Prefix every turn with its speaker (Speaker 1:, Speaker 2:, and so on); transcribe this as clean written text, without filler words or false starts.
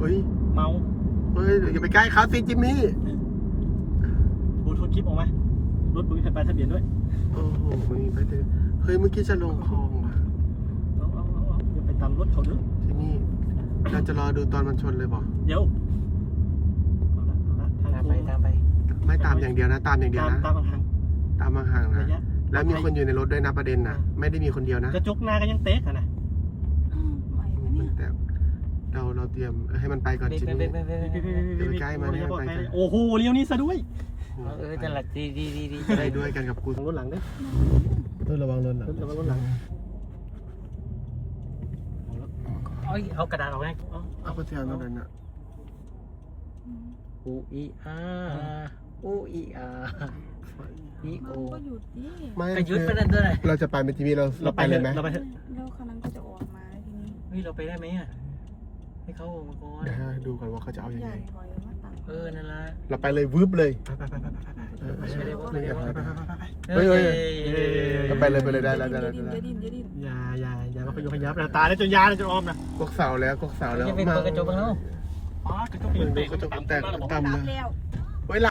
Speaker 1: ฮ้ย
Speaker 2: เมา
Speaker 1: เฮ้ยอย่าไปใกล้เขาสิจิมมี่
Speaker 2: บูทูธคลิปออกมารถมึงมีแผ่นป้ายทะเบียนด้วย
Speaker 1: โอ้โหมึงไปเถอะเฮ้ยเมื่อกี้จะลงคลองว่ะ
Speaker 2: เอาอย่าไปตามรถเขาเด้อ
Speaker 1: จิมมี่เราจะรอดูตอนมันชนเลยบ่
Speaker 2: เดี๋ยวเอาละทาง
Speaker 3: ตามไปตามไป
Speaker 1: ไม่ตามอย่างเดียวนะตามอย่างเดียวนะ
Speaker 2: ตามทาง
Speaker 1: ตามห่างๆ
Speaker 2: ระ
Speaker 1: นะ
Speaker 2: ยะ
Speaker 1: แล้วมีคนอยู่ในรถด้วยนะประเด็นนะไม่ได้มีคนเดียวนะ
Speaker 2: กระจกหน้าก็ยังเตะกันนะ
Speaker 4: ไหวไหมเนี่ย
Speaker 1: แต่เราเตรียมให้มันไปก่อนจิมมี่ อย่าไปใกล้มันอย่าไปใกล้
Speaker 2: โอ้โหเลี้ยวนี้ซะด้วย
Speaker 3: นั่นแหละดี
Speaker 1: จะได้ด้วยกันกับกู
Speaker 2: รถหลังเด้อ
Speaker 1: ต้องระวังรถหลัง
Speaker 2: ระวังรถหลังเอากระดาษออกไง
Speaker 1: เอาไปเทียนตรงนั้นอ่ะ
Speaker 3: อูอีอาอูอีอาอีโอ
Speaker 4: มันก็หยุดดิ
Speaker 1: ไม่
Speaker 3: กระยุดไปนั่นด้วย
Speaker 1: เราจะไปเป็นจิมมี่เราไปเลยไหม
Speaker 2: เราไปเถอะ
Speaker 4: แล้วคันนั้นก็จะออกมาแล้วทีนี้
Speaker 3: เฮ้ยเราไปได้ไหมอ่ะให้เขาออกมาก่อน
Speaker 1: เดี๋ยวดูก่อนว่าเขาจะเอายัง
Speaker 4: ให
Speaker 1: ไง
Speaker 4: ญ่ถอยมาต่ำ
Speaker 3: นั่นละ
Speaker 1: เราไปเลยวืบเลยเฮ้ยเราไปเลยได้แล้ว
Speaker 4: อย่าดิ้นอย่าดิ้น
Speaker 2: อย่ามาขยุกขยับนะตาแล้วจนยาจนออมนะ
Speaker 1: กกเสาแล้วกกเสาแล้ว
Speaker 3: จะเป็นเปิดกระจกบ้างแล้ว
Speaker 2: อ๋อกระจกเปลี่ยน
Speaker 1: กระจกแตกต่ำ
Speaker 4: ตาม
Speaker 1: เลย
Speaker 4: แล้ว